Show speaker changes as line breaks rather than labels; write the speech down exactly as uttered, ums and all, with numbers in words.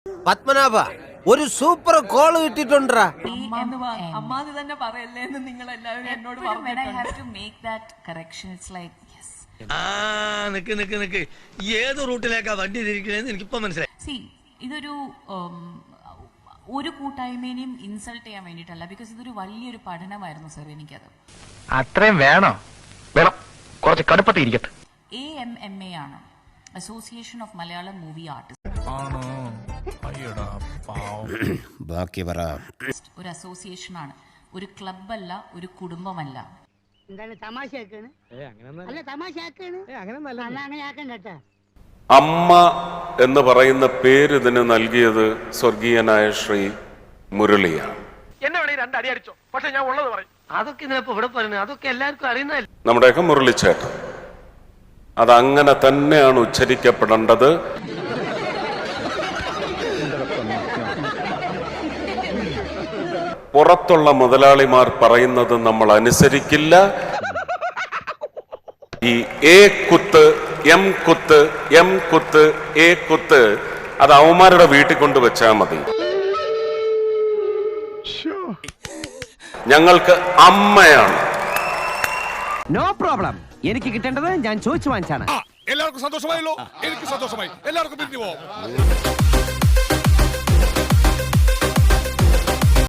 പത്മനാഭ ഒരു super call കിട്ടിട്ടുണ്ടാ.
അമ്മാന്ന് തന്നെ പറയല്ലേ എന്ന് നിങ്ങൾ എല്ലാവരും എന്നോട് പറഞ്ഞു.
ഏത് റൂട്ടിലേക്കാ വണ്ടി തിരിക്കണേന്ന് എനിക്കിപ്പോ മനസ്സിലായി.
സി ഇതൊരു ഒരു കൂട്ടായ്മേനെയും ഇൻസൾട്ട് ചെയ്യാൻ വേണ്ടിയിട്ടല്ല, ബിക്കോസ് ഇതൊരു വലിയൊരു പഠനമായിരുന്നു സർ. എനിക്കത്
അത്രയും വേണോ? വേണം, കുറച്ച് കടുപ്പത്തിരിക്കട്ടെ.
എ എം എം എ ആണ്, association of Malayalam movie artist.
ബാക്കി പറ.
ഒരു അസോസിയേഷൻ ആണ്, ഒരു ക്ലബ് അല്ല, ഒരു കുടുംബമല്ല.
അമ്മ എന്ന് പറയുന്ന പേര് ഇതിന് നൽകിയത് സ്വർഗീയനായ ശ്രീ മുരളിയാണ്.
അതൊക്കെ ഇവിടെ പറയുന്നത് അതൊക്കെ എല്ലാവർക്കും അറിയുന്ന
നമ്മുടെയൊക്കെ മുരളിച്ചേട്ടൻ. അതങ്ങനെ തന്നെയാണ് ഉച്ചരിക്കപ്പെടേണ്ടത്. പുറത്തുള്ള മുതലാളിമാർ പറയുന്നത് നമ്മൾ അനുസരിക്കില്ല. ഈ എ കുത്ത് എം കുത്ത് എം കുത്ത് എ കുത്ത് അത് അവന്മാരുടെ വീട്ടിൽ കൊണ്ട് വെച്ചാൽ മതി. ഞങ്ങൾക്ക് അമ്മയാണ്.
No problem. എനിക്ക് കിട്ടേണ്ടത് ഞാൻ ചോദിച്ചു വാങ്ങിച്ചാണ്.
എല്ലാവർക്കും സന്തോഷമായല്ലോ. എനിക്ക് സന്തോഷമായി. എല്ലാവർക്കും പിരിഞ്ഞു പോവാം.